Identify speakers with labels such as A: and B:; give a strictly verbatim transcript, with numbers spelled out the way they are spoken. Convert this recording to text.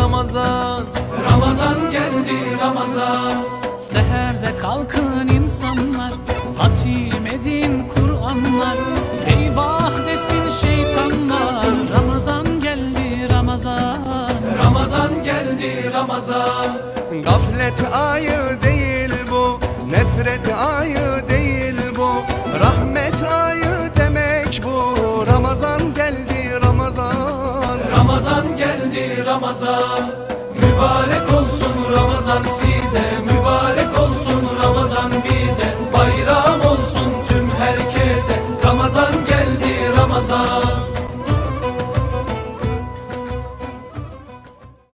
A: Ramazan. Ramazan geldi Ramazan.
B: Seherde kalkın insanlar, hatim edin Kur'anlar. Eyvah desin şeytanlar, Ramazan geldi Ramazan.
A: Ramazan geldi Ramazan.
C: Gaflet ayı değil bu, nefret ayı değil bu, rahmet ayı demek bu. Ramazan geldi Ramazan.
A: Ramazan geldi Ramazan. Mübarek olsun Ramazan size, mübarek olsun Ramazan bize. Bayram olsun tüm herkese, Ramazan geldi Ramazan.